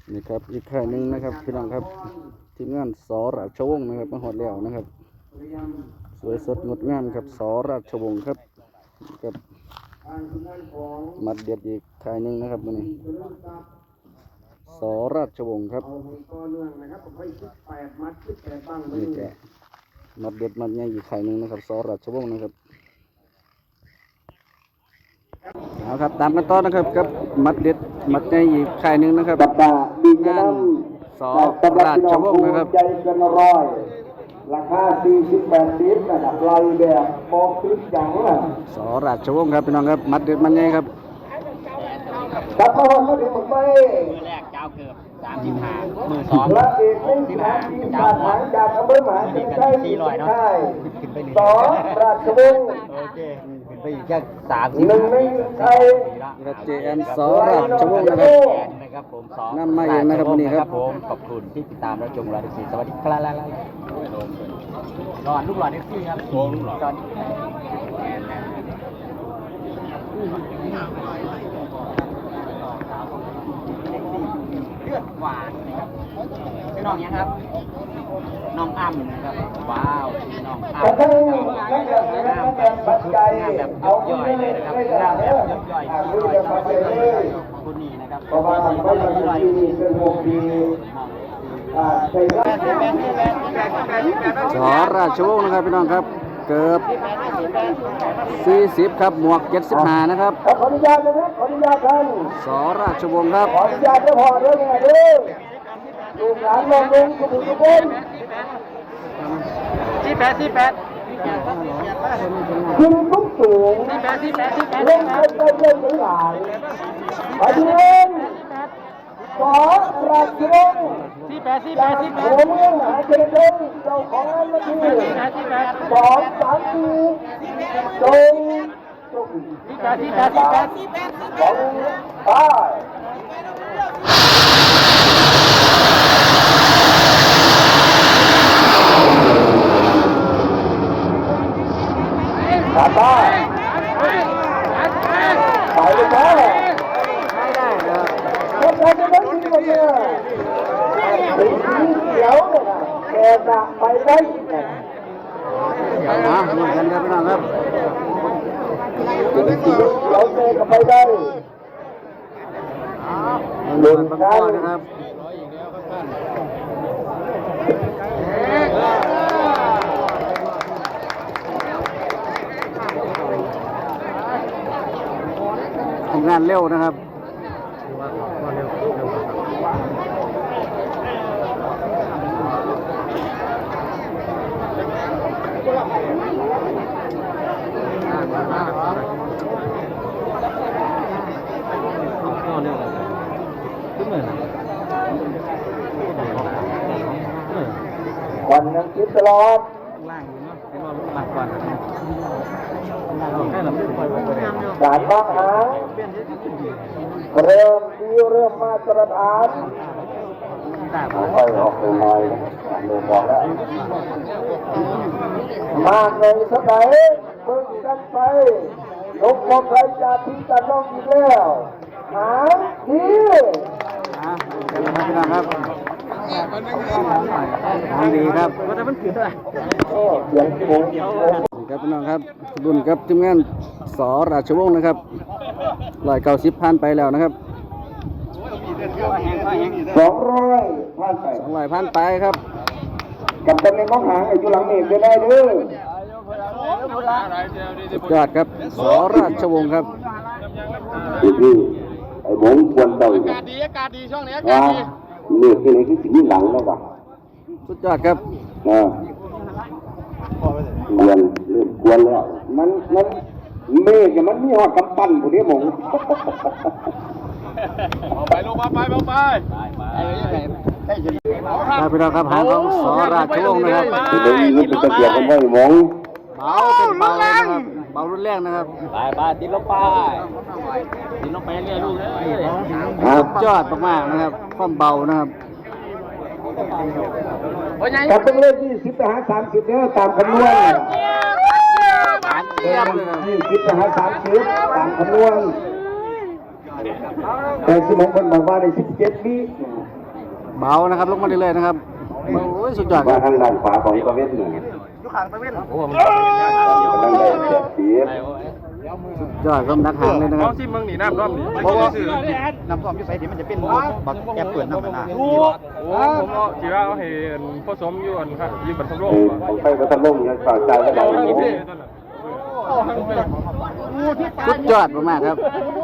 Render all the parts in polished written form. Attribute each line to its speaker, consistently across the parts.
Speaker 1: นี่ครับอีกค่ายหนึ่งนะครับพี่น้องครับทีมงานสราชวงศ์นะครับมาหอดแล้วนะครับสวยสดงดงามครับสราชวงศ์ครับกับมัดเด็ดอีกค่ายหนึ่งนะครับมันนี้สราชวงศ์ครับนี่แกมัดเด็ดมัดใหญ่อีกค่ายหนึ่งนะครับสราชวงศ์นะครับเอาครับตามกันต่อนะครับกับมัดเด็ดมัดใหญ่อีกค่ายหนึ่งนะครับงานสราชวงศ์นะครับ
Speaker 2: ใจเกินร้อยราคา40-80ระดับไล่แบบมองคลิปอย่างน่ะ
Speaker 1: สราชวงศ์ครับพี่น้องครับมัดเด็ดมัดใหญ่ครับ
Speaker 2: ตัดมาวันมาถึงหมดไป
Speaker 3: มือแรกเจ้าเกือบ35มือ2
Speaker 2: พระเอกไม่ขาดทีมชาติหางจากอำเภอหมหาชัยชัย400เนาะสองราชวงศ์
Speaker 3: โอเคขึ้นไปอีกแค่30
Speaker 2: หนึ่งในไทย
Speaker 1: ครับเจแอนสราชวงศ์
Speaker 3: นะครับผม
Speaker 1: นำมาเองนะครับวันนี้ครับ
Speaker 3: ผมขอบคุณที่ติดตามรับชมรายการสวัสดีครับหลอดลูกหลอดเอฟซีครับลูกหลอดเลือดหวานนะครับน้องยังครับน้องอ้ำนะครับว้าวน้องอ้ำงามแบบย่อยเลยนะครับงามแบบย่อยคนนี้นะครับ
Speaker 2: ประมาณ200 ปีเป็น6 ปี
Speaker 1: สราชวงศ์นะครับพี่น้องครับเกือบ40ครับหมวก75นะครับ
Speaker 2: ขออนุญาตนะครับขออนุญาตท่าน
Speaker 1: สราชวงศ์ครับ
Speaker 2: ขออนุญาตเจ้าพ่อเด้อเนี่ยเด้อลูกหลานน้องลุงทุกคน
Speaker 3: 48
Speaker 2: ขึ้นทุกสูงเล่นไปเล่นไปหลายไปเล่นขอราชวงศ์โอ้เมืองมหาชัยชัยเจ้าของนาที2-3 ปีจงไปไปไปเลยนะ
Speaker 1: ไม่ได้ครับ
Speaker 2: คนไทยจะต้องมีคนเนี่ยสีเขียวเนี่ยนะแต่จะไปได้เนี่ย
Speaker 1: เหมือนกันครับพี่น้องครับ
Speaker 2: สีเขียวเตะก็ไปได้
Speaker 1: หนึ่งบังกรนะครับทำงานเร็วนะครับ
Speaker 2: วันยังคิดตลอดการบ้างหาเริ่มดีเริ่มมาตรฐานค่อยออกไปหน่อยเริ่มบอกแล้วมากเลยสักไหนเพิ่งกันไปลงมองใครจะทิ้งกันน้องอีกแล้วหาที
Speaker 1: พี่น้องครับทางดีครับ
Speaker 2: เสียงโค้ง
Speaker 1: ครับพี่น้องครับรุ่นครับทีมงานสราชวงศ์นะครับ190ผ่านไปแล้วนะครับ
Speaker 2: 200ผ่านไป
Speaker 1: 200ผ่านไปครับ
Speaker 2: กับตำแหน่งของหางอยู่หลังเอกจะได้เด้อ
Speaker 1: สุดยอดครับสราชวงศ์ครับ
Speaker 2: พี่ไอ้หมงควรเต่าอากาศดีช่วงนี้อากาศดีเลือกที่ไหนที่สิ่งหลังแล้ววะ
Speaker 1: สุดยอดครับ
Speaker 2: กวนเริ่มกวนแล้วมันเมฆเนี่ยมันมีหอดกำปั้นพวกนี้หมง
Speaker 3: ไปลงมาไป
Speaker 1: ครับพี่น้องครับหางของสราชวงศ์นะครับ
Speaker 2: เดี๋ยวนี้เป็นตะเกียบกันไว้หมง
Speaker 1: เบาเป็นเบานะครับเบารุนแรงนะครับ
Speaker 3: ไปติดลงไปเรื่อยลูก
Speaker 1: สุดยอดมากๆนะครับความเบานะครับ
Speaker 2: กับเป็นเลข20 ไปหา 30เนี่ยตามคำนวณ20 ไปหา 30ตามคำนวณแต่สมองคนบอกว่าใน17 วิ
Speaker 1: เบานะครับลงมาเรื่อยๆนะครับโอ้ยสุดยอดค
Speaker 2: มา
Speaker 1: รับ
Speaker 2: ทางด้านขวาของตะเวนหนึ่ง
Speaker 3: ยุคหางตะเวนโอ้โห
Speaker 2: กำลังได้เสียบสี
Speaker 1: สุดยอดครับนักหางเลยนะครับ
Speaker 4: ที่เมืองนี่น้ำร่อมนี่
Speaker 3: เพราะว่าน้ำท่วมที่ไสที่มันจะเป็นบักแอบเปิดน้ำมันนะ
Speaker 4: โอ้ผมเอาที่ว่าเอาให้ผสมอยู่อันครับยืมบัตรสมรส
Speaker 2: ของไฟก็ทะลุ่มยังฝากใจก็ได้
Speaker 4: เอา
Speaker 2: โอ้
Speaker 4: ให้
Speaker 2: โห
Speaker 4: พี่
Speaker 1: สุดยอดมากๆครับ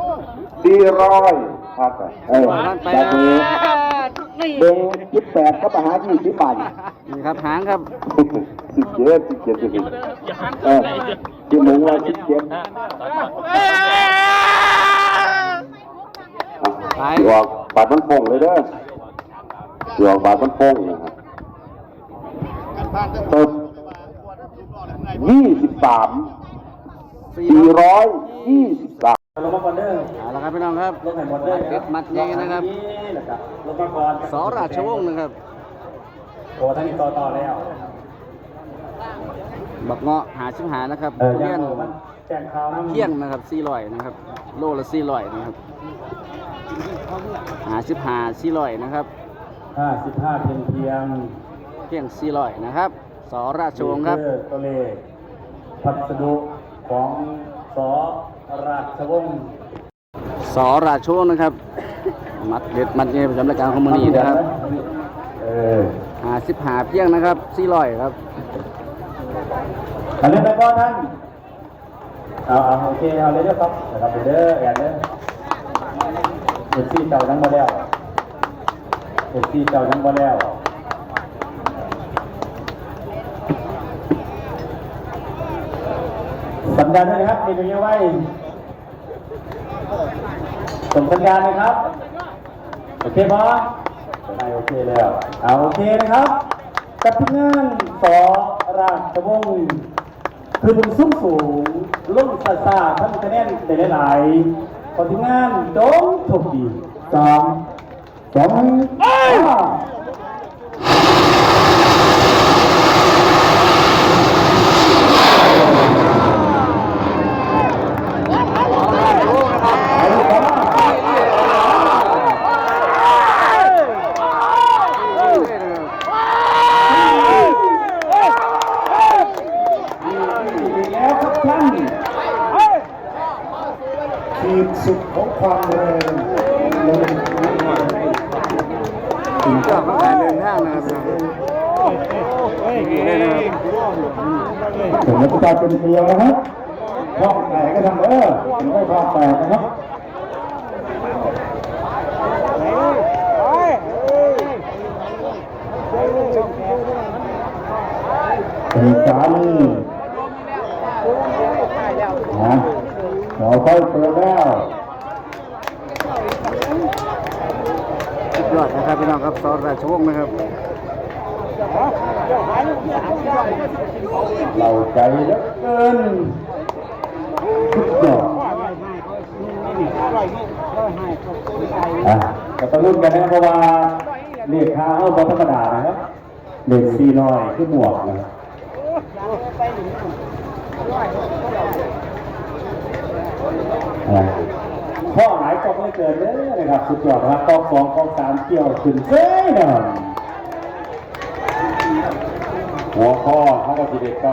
Speaker 2: 400พักจากนี้เบง18ก็ไปหา20 บาท
Speaker 1: นี่ครับหางครับ
Speaker 2: 17ที่มึงว่า17
Speaker 1: ไป
Speaker 2: สิออกบาทมันโป่งเลยเด้อสิออกบาทมันโป่งนะครับต้น23 423
Speaker 1: เอาละครับพี่น้องครับเด็ดมัดใหญ่นะครับสอราชวงศ์นะครับ
Speaker 5: โอ้ท่านนี้ต่อแล้ว
Speaker 1: บักเงาะ55นะครับเลี้ยน
Speaker 5: แจ้งข่าวน้ำ
Speaker 1: เที่ยงนะครับ400นะครับโลละ400นะครับ55 400นะครับ
Speaker 5: 55เพียง
Speaker 1: เที่ยง400นะครับสอราชวงศ์ครับ
Speaker 5: ตัวเลขพัสดุของสอราชวงศ์
Speaker 1: สอราชวงศ์นะครับมัดเด็ดมัดใหญ่ประจำรายการของมื้อนี้นะครับ 55เพียงนะครับ400ครับ
Speaker 5: อันนี้ไปก่อนท่านเอาโอเคเอาเลยเด้อครับนะครับเด้อแอนเด้อเอฟซีเจ้าทั้งหมดแล้วเอฟซีเจ้าทั้งหมดแล้วสัญญาณด้วยนะครับมีตรงนี้ไว้ส่งสัญญาณนะครับโอเคบอสไม่โอเคแล้วเอาโอเคนะครับกับทีมงานสอราชวงศ์คือเป็นสูงสูงลุ่มซาซาท่านคะแนนได้หลายๆคนทีมงานโดนถูกดีสองแล้วครับท่านขีดสุดของความแรง
Speaker 1: ถึงเจ้าเขาขายเดินทางนะครับนี่นะครับ
Speaker 2: ถึงนักกีฬาเป็นเดียวนะครับคล้องแตกก็ทำถึงไม่คล้องแตกนะครับเป็นสามีเราค่อยเปิดแล้ว
Speaker 1: สุดยอดนะครับพี่น้องครับสอราชวงศ์นะครับ
Speaker 2: เราใจเหลือเกินสุดยอดก็ต้องรุ่นกันนะเพราะว่าเลขค้าเอาบอธรรมดานะครับเลข4น้อยคือหมวกนะครับข้อหลายกองไม่เกินเลยนะครับสุดยอดนะครับกอง2กอง3เกี่ยวขึ้นเซ้ยนะหัวข้อเขาก็ทีเด็ก90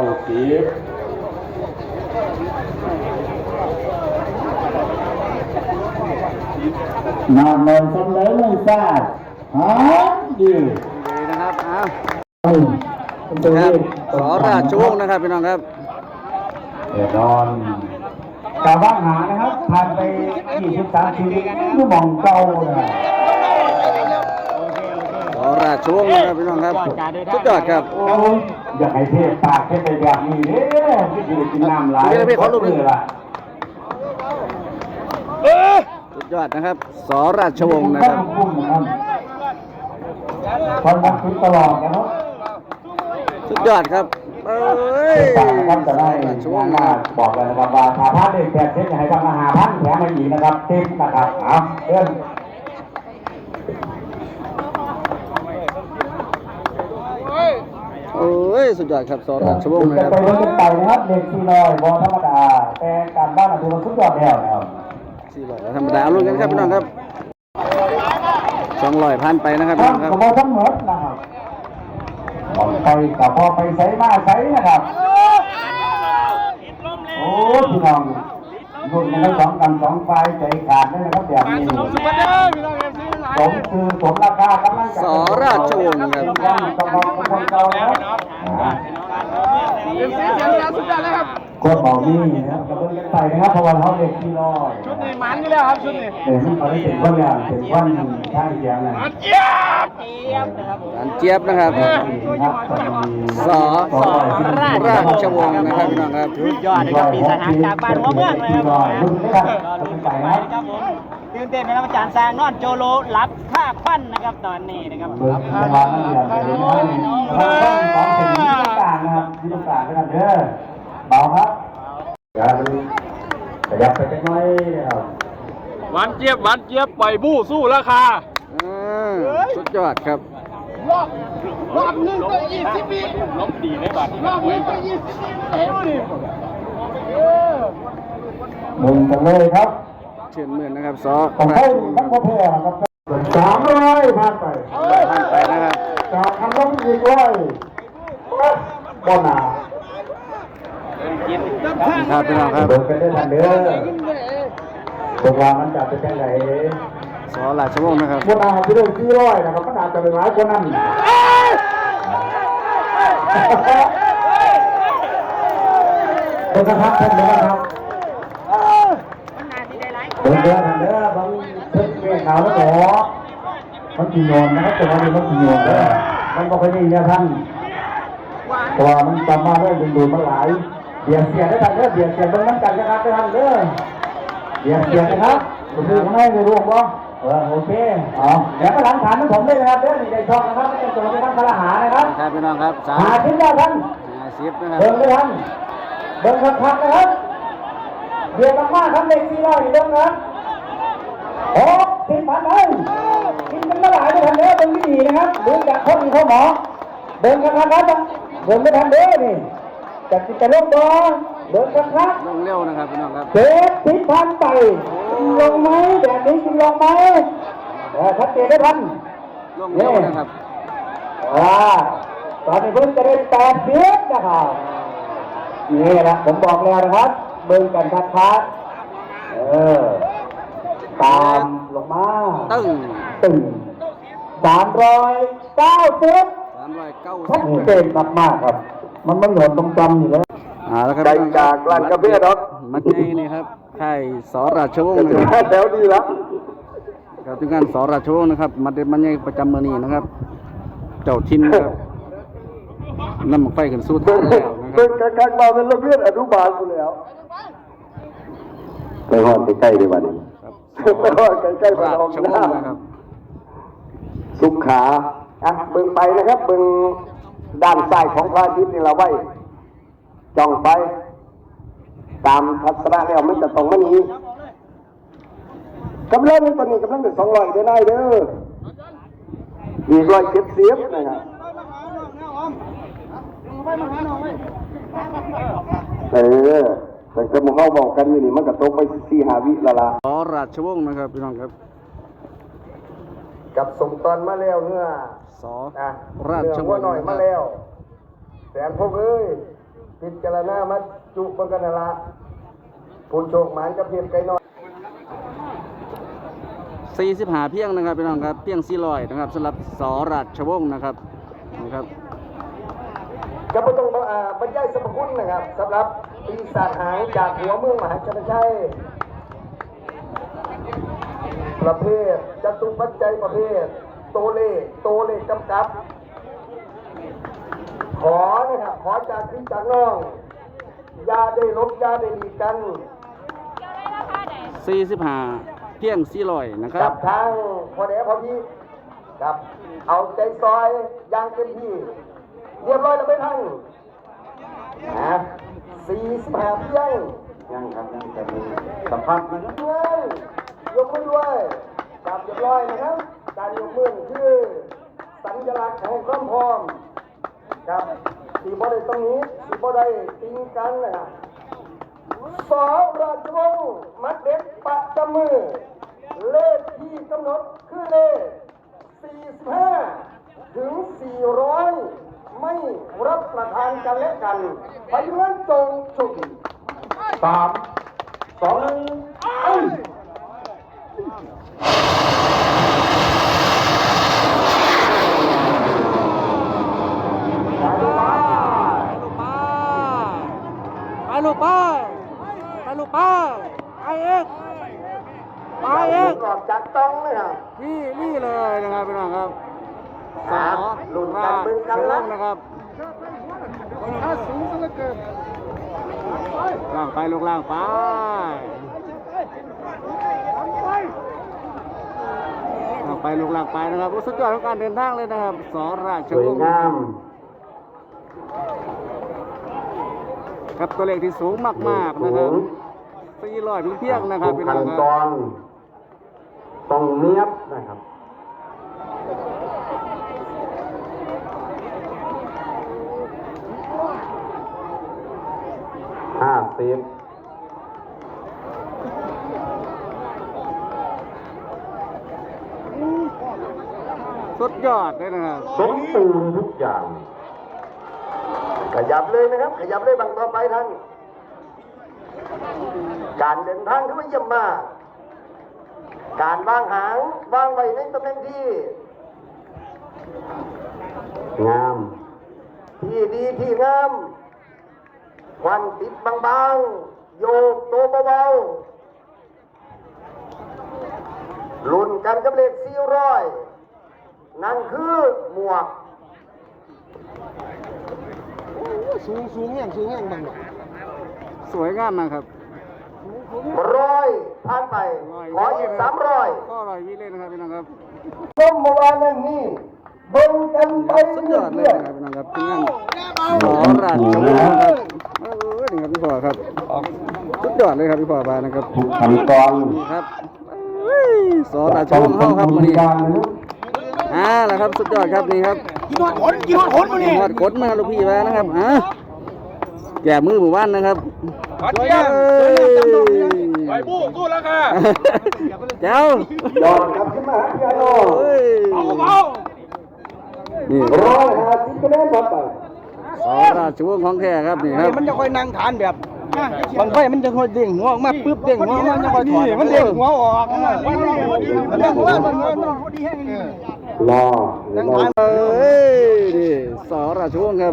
Speaker 2: นำเงินสำเร็จไม่ทราบดี
Speaker 1: ดีนะครับอ้าว
Speaker 2: ตัว
Speaker 1: ครั
Speaker 2: นี้
Speaker 1: บสอราชวงศ์นะครับพี่น้องครับ
Speaker 2: เดี๋ยวนอนกาบ้างหานะครับผ่านไป23 ชีวิตดูมองเก่าเลย
Speaker 1: สอราชวงศ์นะครับพี่น้องครับสุดยอดครับ
Speaker 2: อยากให้เทพปากเทพไปแบบนี้เด้อที่อยู่กินน้ำหลาย
Speaker 1: พี่ขอรูปหนึ่ง
Speaker 2: ล่ะ
Speaker 1: สุดยอดนะครับสอราชวงศ์นะครับ
Speaker 2: คนนักคิดตลอดนะครับ
Speaker 1: สุดยอดครับเอ้ย
Speaker 2: ต่างกันจะได้
Speaker 1: ราชว
Speaker 2: ช่ว
Speaker 1: ง
Speaker 2: ง
Speaker 1: ศ์
Speaker 2: ห
Speaker 1: นะ
Speaker 2: น้า
Speaker 1: ครับ
Speaker 2: บอกเลยนะครับว่าถ้าพลาดเด็กแปดเส้นให้ทำอาหารพันแถมมาอีกนะครับติ๊บนะครับเอาเพื่อน
Speaker 1: โอ้ยสุดยอดครับสอราชวงศ์นะ
Speaker 2: จะ
Speaker 1: ครับ
Speaker 2: ไปเล่นกันไปนะครับเด็ก400บอลธรรมดาแต่การบ้านอาจจะมันสุดยอดแล้วนะครับ
Speaker 1: 400ธรรมดาลุ้นกันครับพี่น้องครับ200พันไปนะครับพี่
Speaker 2: ทั้
Speaker 1: น้องครับ
Speaker 2: งกระบอกทั้งหมดนะครับบอกไปกับพอไปใส่มาใส่นะครับโอ้พี่น้องรุ่นกันทั้งสองฝ่ายใจขาดเลยนะครับแบบนี้สมคือสมราคากำลังจะ
Speaker 1: สราชวงศ์ครับ
Speaker 2: กระบอกคนเก่าแล้วคนบอกนี่นะครับกระเบื้องกันไปนะครับเพราะว่าเขาเด็กที่น้อยชุดนี้มันนี่แล้วครับชุดนี้เดี๋ยวเขาได้เป็นคนอย่างเป็นคนข้างเคียงนะ
Speaker 1: การเจี๊ยบนะครับสราชวงศ์นะครับพี่น้องครับ
Speaker 3: ยอดนะครับปีสหางจากบ้านหัวเมืองเลยครับตื่นเต้นนะครับอาจารย์สร้างนอนโจโลรับค่าควันนะครับตอนนี้นะครับ
Speaker 2: รับค่าควันนะครับของถึงที่ต้องการนะครับที่ต้องการนะครับเด้อเบาครับขยับไปจังหน่อยนะครับ
Speaker 4: หวานเจี๊ยบปล่อยบู้สู้ราคา
Speaker 1: สุดยอดครับ
Speaker 4: รอบนึงก็20ปีลบดีเลยบัดรอบนึงก็20ปีเท่าดิ
Speaker 2: มึงกันเลยครับ
Speaker 1: เชิญเมือนนะครับส
Speaker 2: ผมให้ทั้งประเทศนะครับ300ผ่านไป
Speaker 1: ผ่านไปนะครับ
Speaker 2: จากคำร้องอีกร้อยบ่หนา
Speaker 1: ครับพี่น้องครับ
Speaker 2: เดินไปได้ทันเด้อพวกเรามันจะเป็นยังไง
Speaker 1: สราชวงศ์นะครับ
Speaker 2: บ่หนาที่เรื่อง400นะครับมันอาจจะเป็นหลายกว่านั้นเป็นกระทับเป็นนะครับเดินทันเด้อบางเพิ่งเมฆขาวแล้วหรอมันกินโยนนะครับแต่ว่ามันกินโยนเด้อมันก็ไม่ดีนะท่านเพราะว่ามันจำมาได้ดูมันหลายเบียดเสียได้ทันเด้อเบียดเสียตรงนั้นกันนะครับได้ทันเด้อเบียดเสียนะครับคุณดูข้างในในรูปบ่โอเคอ๋อเดี๋ยวก็หลังฐานของผมเลยนะครับเด้อนี่ได้ช่องนะครับไม่ต้องส่งไปทางพลหานะครับ
Speaker 1: ครับพี่น้องครับ
Speaker 2: หาทิ้งได้ท่าน
Speaker 1: 50นะครับ
Speaker 2: เบิ่งได้ท่านเบิ่งคักๆนะครับเบียดมากๆครับเลข400นี่เบิ่งนะ10,000เลยกินกันมาหลายได้ทันเด้อเบิ่งดีๆนะครับดูจากคนเขาหมอเบิ่งคักๆครับเบิ่งไม่ทันเด้อนี่จากจิตลบบ่เบิ่งคักๆ
Speaker 1: ลงเร็วนะครับพี่น้องครับ
Speaker 2: 10,000ไปกินลงไหมแบบนี้กินลงไหมชัดเจนได้ทัน
Speaker 1: ลงเร็วนะครับ
Speaker 2: ตอนนี้เพิ่งจะได้80นะครับนี่แหละผมบอกแล้วนะครับเบิ่งกันชัดๆตามลงมา
Speaker 1: ตึ้ง
Speaker 2: ตึง390ชัดเจนมากๆครับมันไม่หย่อนตรงจำอยู่แล้ว
Speaker 1: แล้วครับ
Speaker 2: ได้จากร้านกาแฟดอก
Speaker 1: มัดไงนี่ครับค่ายสราชวงศ์นะครับ
Speaker 2: แถวดีละ
Speaker 1: กับทีมงานสราชวงศ์นะครับมัดเด็ดมันไงประจำมือนี้นะครับ เจ้าทินนะครับนำหมกไฟขึ้นสู้ทางแล้วนะค
Speaker 2: เป็
Speaker 1: รับ
Speaker 2: นการมาเป็นระเบียบอนุบาลอยู่แล้วไปหอดใกล้ๆดีกว่านี้
Speaker 1: ครับ
Speaker 2: ไปหอดใกล้ๆ
Speaker 1: ส
Speaker 2: มา
Speaker 1: รา
Speaker 2: ลอง
Speaker 1: ชว
Speaker 2: หน้าง
Speaker 1: ศ์นะครับ
Speaker 2: สุขาเบิ่งไปนะครับเบิ่งด้านซ้ายของพระอาทิตย์นี่เราไว้จ้องไปตามทัศนะแล้วมันจะตรงมันนี้กำลังตอนนี้กำลังเป็น200เด้อนายเด้ออีก170นะครับแต่จะมึงเข้าบอกกันอยู่นี่มันก็ตกไป4-5 วิละละ
Speaker 1: สราชวงศ์นะครับพี่น้องครับ
Speaker 2: กับสมตอนมาแล้วเนื้อ
Speaker 1: สราชวงศ์
Speaker 2: หน่อยมาแล้วแสนพวกเอ้ยพิจารณามาจุบังกันนั่นละผู้โชคหมานกับเพียงไกลน้อย
Speaker 1: 45เพียงนะครับพี่น้องครับเพียง400นะครับสำหรับสราชวงศ์นะครับนะครับ
Speaker 2: ก็ไม่ต้องบรรยายสรรพคุณนะครับสำหรับปีศาจหางจากหัวเมืองมหาชนชัยประเภทจตุปัจจัยประเภทโตเลกำกับ ขอนะครับขอจากพี่จากน้องยาได้ลบยาได้ดีกัน
Speaker 1: 45เพียง400นะครั
Speaker 2: กับ ทางพอแดพอดีกับเอาใจซอยอย่างเต็มที่เรียบร้อยแล้วไหมท่าน45เพียงยังครับยังจะมีสัมภาษณ์ด้วยยกมือด้วยกับเรียบร้อยนะครับการยกมือคือสัญลักษณ์ของความพร้อมครับสีบ่ได้ตรงนี้สีบ่ได้ติงกันนะครับสอราชวงศ์มัดเด็ดประจำมือเลขที่กำหนดคือเลข45ถึง400ไม่รับประทานกันและกันไปเงินจงโชคดี3 2 1เอ้ย
Speaker 1: ไปลูกไปไปลูกไปไปเอกไปเอก
Speaker 2: ก่อนจัดต้องเลยครับ
Speaker 1: นี่เลยนะครับพี่น้องครับ
Speaker 2: ลุ้นกันมึงกันละ
Speaker 1: นะครับล่างไปลูกล่างไปล่างไปลูกล่างไปนะครับสุดยอดของการเดินทางเลยนะครับสราช
Speaker 2: สว
Speaker 1: วย งศ์
Speaker 2: งาม
Speaker 1: ครับตัวเลขที่สูงมากๆนะครับ400เพียงๆนะครับ
Speaker 2: ทุก
Speaker 1: พี่น้
Speaker 2: ขั้
Speaker 1: อง
Speaker 2: น
Speaker 1: ค
Speaker 2: ต
Speaker 1: รับ
Speaker 2: อนต้องเนียบนะครับ50
Speaker 1: สุดยอดเลยนะครับ
Speaker 2: สมบูรณ์ทุกอย่าง ขยับเลยนะครับ ขยับเลยบางต่อไปท่าน การเดินทางที่ว่าเยี่ยมมาก การวางหางวางไว้ในตำแหน่งที่ งาม ที่ดีที่งามควันติดบางๆ โยกตัวเบาๆลุ้นกันกับเลข400นั่นคือหมวก
Speaker 1: สวยงามมากครับ
Speaker 2: 100ผ่านไป ขออีก300
Speaker 1: ก็อร่อยวิเลยนะครับพี่น้องครับ
Speaker 2: ต้มเมื่อวานนี้เบิ่งกันไป
Speaker 1: สุดย
Speaker 2: เรื่
Speaker 1: อดเลย
Speaker 2: อย
Speaker 1: นะครับพี่น้องครับทีมงานสอราชวงศ์ครับนี่ครับพี่พ่อครับสุดยอดเลยครับพี่พ่อบานนะครับ
Speaker 2: ทุกขั้นตอน
Speaker 1: นี่ครับสอราชวงศ์เข้าครับวันนี้แหละครับสุดยอดครับนี่ครับกินฮอดขนมาลูกพี่มานะครับแก่มือหมู่บ้านนะครับ
Speaker 4: ขอเชียร์ไปบู้สู้แล้วค่ะ
Speaker 1: เจ้าย
Speaker 2: อดกลับขึ้นมาพี่อาโน
Speaker 4: เอา
Speaker 1: นี่
Speaker 2: 150คะแนนต่อไป
Speaker 1: สอราชวงศ์ของแท้ครับนี่ครับ
Speaker 3: มันจะค่อยนั่งฐานแบบบางไฟมันจะค่อยเด้งหัวออกมาปึ๊บเด้งหัวมันจะค่อยถอดมันเด้งหัวออกมันเด้งหัวมันดีแห้ง
Speaker 2: รอ
Speaker 1: เอ้ยนี่สอราชวงศ์ครับ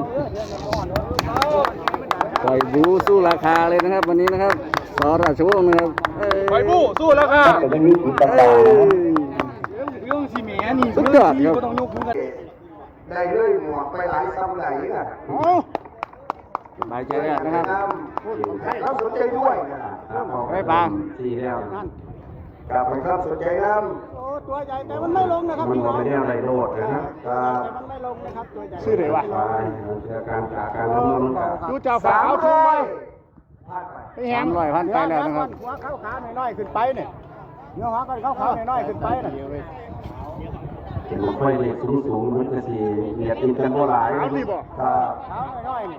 Speaker 1: ปล่อยบูสู้ราคาเลยนะครับ วันนี้นะครับสอราชวงศ์นะครับเอ้ย
Speaker 4: ไปบู้สู้แล้วค่ะ
Speaker 2: จะได้มีสีต่า
Speaker 1: เอ้
Speaker 2: ง
Speaker 1: ย
Speaker 3: เรื่องสีเมียนี่
Speaker 1: สุดยอดครับ
Speaker 3: ต้องยกมือกัน
Speaker 2: ๆได้เลยหมวกไปหลายซ้ำไหนอ่ะ
Speaker 1: สบายใจแล้วนะครับ
Speaker 2: ถ้าสนใจด้วย
Speaker 1: ไม่ปัง
Speaker 2: สี่แล้วกลับไปครับสนใจน้ำ
Speaker 3: ตัวใหญ่แต่มันไม่ลงนะครับ
Speaker 2: มัน
Speaker 3: พี่น้อง
Speaker 2: ไม่ได้อะไรโลดนะครับ
Speaker 3: แต่มันไม่ลงนะครับตัวใหญ่
Speaker 1: ชื่ออะไรวะ
Speaker 2: การจากการดำเนินการ
Speaker 1: ดูเจ้าสาวชูไว้
Speaker 2: ผ่านไป
Speaker 1: 300,000ไปแล้วนะครับ
Speaker 3: หัวขาวๆน้อยๆขึ้นไปเนี่ยเนื้อหัวกันขาวๆน้อยๆขึ้นไปน่ะ
Speaker 2: เห็นไฟเลยสูงมันจะสีเหยียดติดกันโบราณครับ
Speaker 3: ขาวน้อยๆนี่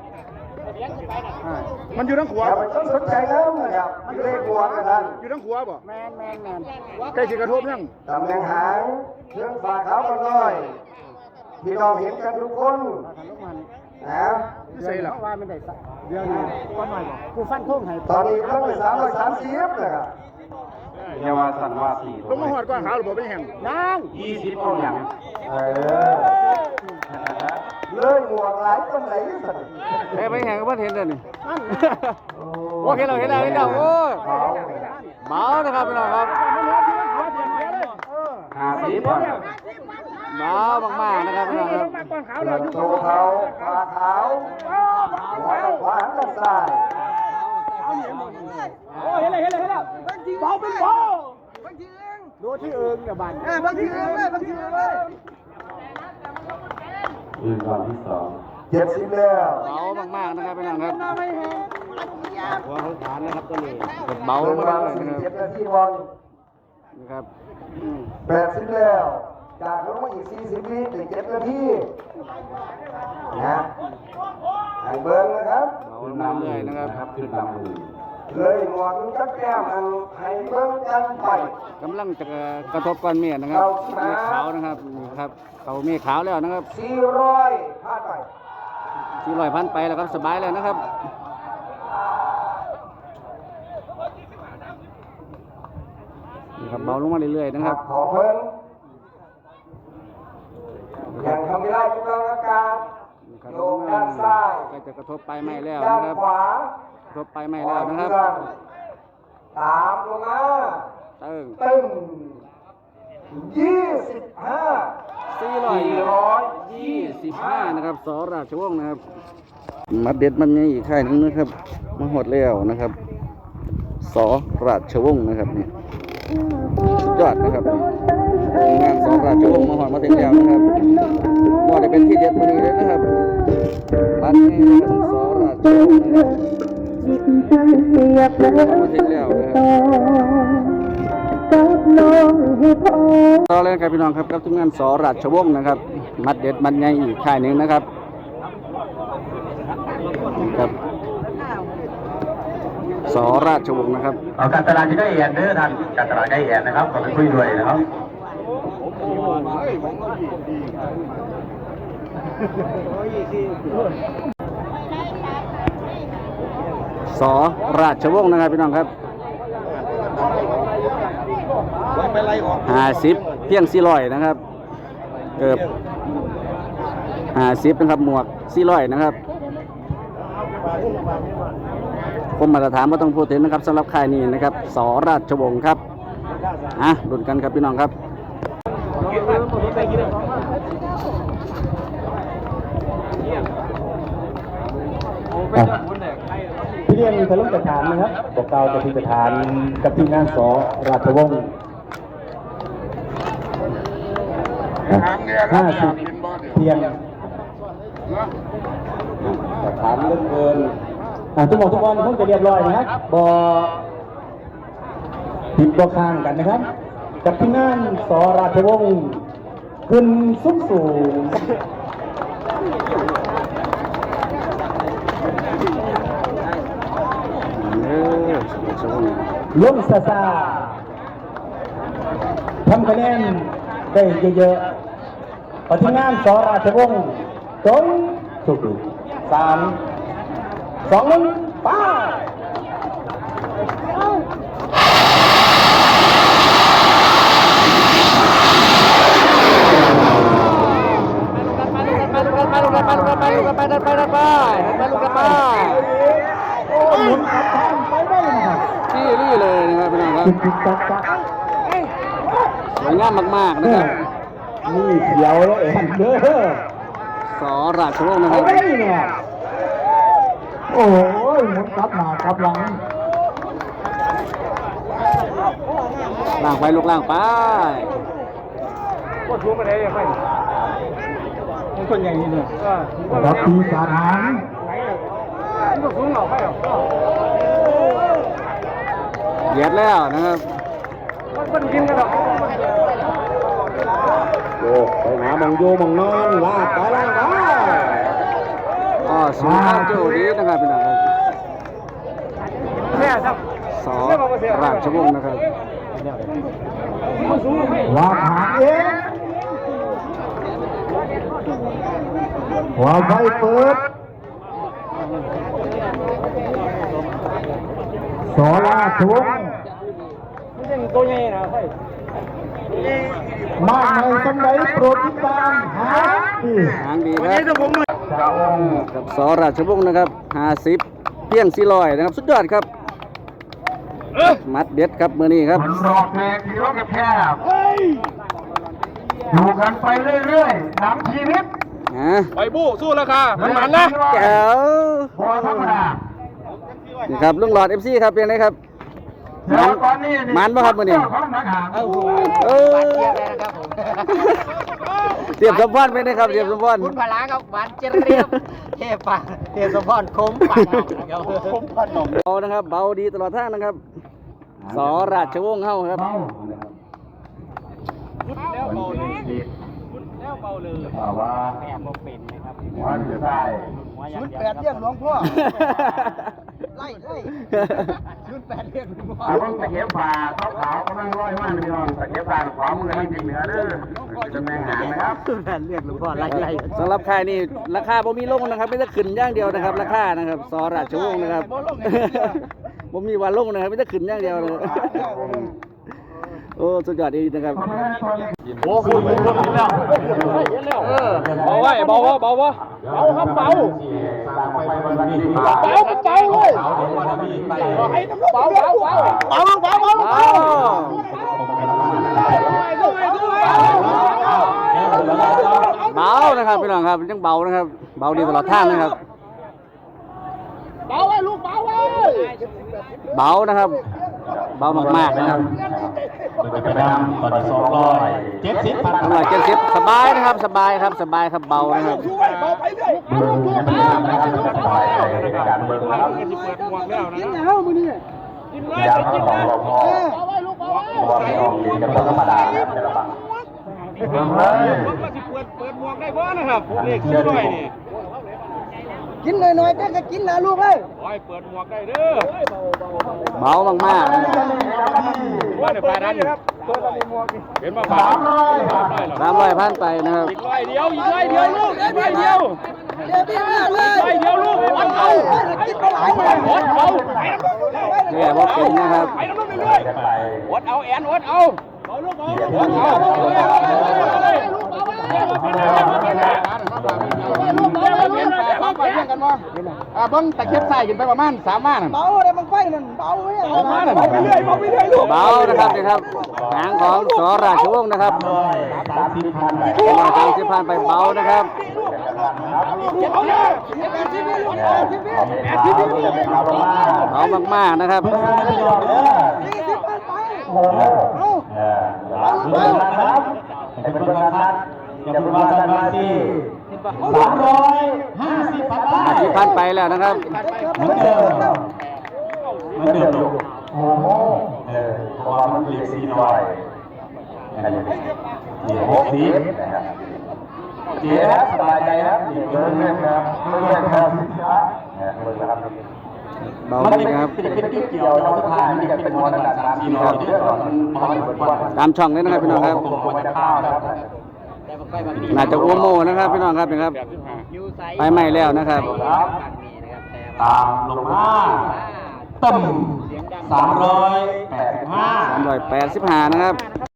Speaker 4: มันอยู่ทั้งขวา
Speaker 2: อย่าไปต้องสนใจน้ำนะครับเลขหัวนะท่าน
Speaker 4: อยู่ทั้งขวาบ่
Speaker 3: แมน
Speaker 4: ใกล้สิกระทบยัง
Speaker 2: ตำแหน่งหางเครื่องฝาขาวกันน้อยพี่น้องเห็นกันทุกคนนะ
Speaker 3: ใช่หรอว่ามันได้เดี๋ยวนี้ก็หน่อยบอกกูฟันทุ่งให้
Speaker 2: ตอนนี้ต้องไป330นะครับ
Speaker 5: เยาวสันว่าสี่
Speaker 4: ลงมาหอดกว้างขาวหรือบ่ไปแห่ง
Speaker 3: ยัง
Speaker 5: 20เอาอย่าง
Speaker 2: เลยหมวกหลายคนไหนสัน
Speaker 1: ได้ไปแข่งกับเพื่อนเห็นเลยนี่โอเคเราเห็นแล้วโอ้ยเบานะครับพี่น้องครับ
Speaker 5: 50อ่ะ
Speaker 1: เบามากๆนะครับพี่น้องครับ
Speaker 2: โตเขาฝาขาวหัวขวาหันด้านซ้าย
Speaker 3: โอ้เห็นแล้วเบาเป็นเบาดูที่เอิงเนี่ยบันบางทีเอิงเลยบางทีเอิงเลย
Speaker 5: ยืนก่อนที่2
Speaker 2: 70แล้ว
Speaker 1: เบามากๆนะครับพี่น้องครับหัวเขาฐานนะครับตัวนี้เบา
Speaker 2: เบิ่ง
Speaker 1: มาก
Speaker 2: วาง
Speaker 1: ๆเลยนะครับ
Speaker 2: 47นาทีบอล
Speaker 1: นะครับ
Speaker 2: 80แล้ว จากลงมาอีก40วิถึง7นาทีนะให้เบิ่งนะครับ
Speaker 1: เบาลงเรื่อยๆนะครับ
Speaker 5: ขึ้นลำมือ
Speaker 2: เลยหวังจะแก้มันให้เบิ่งกันไป
Speaker 1: กำลังจะกระทบก้อนเมฆนะครับเมฆขาวนะครับนี่ครับเขาเมฆขาวแล้วนะครับ
Speaker 2: 400ผ่านไป
Speaker 1: 400 พันไปแล้วครับสบายแล้วนะครับนี่ครับเบาลงมาเรื่อยๆนะครับ
Speaker 2: ขอเพิ่นอย่างทำไม่ได้กำลังอากาศ
Speaker 1: นี่ครับ
Speaker 2: โยกด้านซ้าย
Speaker 1: ก็จะกระทบไปไม่แล้ว
Speaker 2: ด้าน
Speaker 1: นะครับ
Speaker 2: ขวาก
Speaker 1: ระทบไปไม่แล้วนะครับ
Speaker 2: ตามลงมา
Speaker 1: ตึ้ง
Speaker 2: ตึ้ง25
Speaker 1: 425นะครับสราชวงศ์นะครับมัดเด็ดมันมีอีกค่ายหนึงนะครับมาหมดแล้วนะครับสราชวงศ์นะครับนี่สุดยอดนะครับงานสราชวงศ์มาหอดมาถึงแล้วนะครับว่าได้เป็นที่เด็ดมันนี้เลยนะครับบ้านนี้นะครับสราชวงศ์นะครับมาถึงแล้วนะครับต่อเลยครับพี่น้องครับกับทีมงานสราชวงศ์นะครับมัดเด็ดมันใหญ่อีกค่ายหนึ่งนะครับครับสราชวงศ์นะครับ
Speaker 5: เอาการตลาดที่ได้แอนเด้อท่านการตลาดได้แอนนะครับขอไปคุยด้วยนะครับ
Speaker 1: สราชวงศ์นะครับพี่น้องครับ50เพียง400นะครับเกือบ50นะครับหมวก400นะครับผมมาตรฐานไม่ต้องพูดถึงนะครับสำหรับค่ายนี้นะครับสราชวงศ์ครับลุ้นกันครับพี่น้องครับ
Speaker 5: พี่เลี้ยงทะลุกระฐานนะครับบอกเกล่าวจะพิจารณากับทีมงานสราชวงศ์50เพียงกระฐานเลื่อนเกินทุกหมดทุกคนคงจะเรียบร้อยนะครับบอผิดบอข้างกันนะครับกับทีมงานสราชวงศ์ขึ้นสูงสูงล้มซาซาทำคะแนนได้เยอะๆปฏิงานสราชวงศ์จงสุข3 2 1ไป
Speaker 1: นี่เลยนะครับพี่น้องครับสวยงามมากๆนะครับ
Speaker 5: นี่เขียวแล้วเอ็นเด้อ
Speaker 1: สราชวงศ์นะครับ
Speaker 5: เนี่ยโอ้ยหมุนกลับหน้ากลับหลัง
Speaker 1: ล่างไปลูกล่างไป
Speaker 5: รับปีศาจหาง
Speaker 1: เหยียดแล้วนะครับ
Speaker 5: โยกไปหาบังโยบังนอนลากไปลากไป
Speaker 1: สูงข้ามโจ้ดีนะครับพี่น้องครับสราชวงศ์นะครับ
Speaker 5: ว่าหางเองว่าไฟเปิดสราชวงศ์มากในสมัยโปรดติดตามหาดี
Speaker 1: หางดีครับกับสราชวงศ์นะครับ50เพียง400นะครับสุดยอดครับมัดเด็ดครับมือนี้ครับ
Speaker 2: มันรอกแพงที่รถแคบอยู่กันไปเรื่อยๆน้ำชีวิต
Speaker 4: ไปบู้สู้ราคามันนะ
Speaker 1: แก้ว
Speaker 2: พอธรรมดา
Speaker 1: นี่ครับลุงหลอด FC ครับเป็นไงครับมันป่ะครับมือนี้เทียบสมพรเป็นไงครับเทียบสมพร
Speaker 3: คุณพลาครับหวานเจี๊ยบเทพปะเทพสมพรคมปากคมปากหนม
Speaker 1: เบานะครับเบาดีตลอดทางนะครับสราชวงศ์เฮาครับ
Speaker 2: แล้วเบาเลยแล้วเบาเลยว่า
Speaker 3: แม่บ่เป็นนะครับ
Speaker 2: วันจะได้
Speaker 3: 08เรียกหลวงพ่อรุ่นแปดเรียกลุงพ่อ
Speaker 2: เอาต้องตะเกียบป่าขาวๆกำลังร้อยมากพี่น้องตะเกียบป่าขวามือนี่เหนือเด้อจะแมงหางนะครับ
Speaker 3: แปดเรียกลุงพ่อไล่
Speaker 1: สำหรับค่ายนี่ราคาบ่มีลงนะครับไม่ได้ขึ้นอย่างเดียวนะครับ ราคานะครับสอราชวงศ์นะครับ บ่มีวันลงนะครับไม่ได้ขึ้นอย่างเดียวเลยโอ้สุดยอดดีนะครับ
Speaker 4: โอ้คุณลงรถนี่แล้วเบาไว้เบาครับเบาเลย
Speaker 1: เบานะครับพี่น้องครับยังเบานะครับเบาดีตลอดทางนะครับเบานะครับเบามากๆนะครับ
Speaker 5: ไปดำตอนนี้270 พัน
Speaker 1: 270สบายนะครับสบายครับเบานะครับ
Speaker 2: การเบิกนะครับยางของเราพอจะธรรมดานะครับเบิ่งเลย
Speaker 4: เปิดหมวกได้บ่นะครับเลขชื่อหน่อยนี่
Speaker 3: กินหน่อยๆแต่ก็กินนะลูกเอ้ย
Speaker 4: โอ้ยเปิดหมวกได้เด้อ
Speaker 1: เบามากๆนะครับ
Speaker 4: ว่าในปลายนั้นเห็นมาฝาก
Speaker 1: 300พันไปนะครับ
Speaker 4: อีกร้อยเดียวลูกอีกร้อยเดียวลูกวัดเอา
Speaker 1: แย่บ่เป็นนะครับ
Speaker 4: ไปน้ำมันไปเรื่อยวัดเอาแอนวัดเอาลูกเอาเบิ้งตะเข็บใส่กันไปประมาณ3 ม้าน่ะ
Speaker 3: เบาเลยมันไฟนั่นเบาเลย
Speaker 4: เบาไปเรื่อยลูก
Speaker 1: เบานะครับนี่ครับหางของสอราชวงศ์นะครับ
Speaker 5: 30 พัน
Speaker 1: 30พันไปเบานะครับ เบามากๆนะครับ
Speaker 5: เพื่อนพี่น้องเด้อเพื่อนนะครับให้เป็นเพื่อนนะครับอย่าเป็นว่าสันมาสิ350 พันได้
Speaker 1: 50พันไปแล้วนะครับ
Speaker 5: เหมือนเดิมลูกเพราะว่ามันเรียก4น้อยนี่60นะครับเจ๊สบายใจครับนี่เกินนะครับไม่ได้ครับเบิ่งนะครับ
Speaker 1: เบา
Speaker 5: มัน
Speaker 1: ดีนะครับ
Speaker 5: เป็นเกี่ยวเราสุดท้ายมันจะเป็นมอระดับ3 4น้อยเด้อมันเหมือนว่า
Speaker 1: ตามช่องเลยนะครับพี่น้องครับ
Speaker 5: ควรจะข้าวครับ
Speaker 1: น่าจะอ้วโมนะครับพี่น้องครับนะครับ ไปใหม่แล้วนะครับ
Speaker 5: ตามลงมาตึ้ม385
Speaker 1: 385นะครับ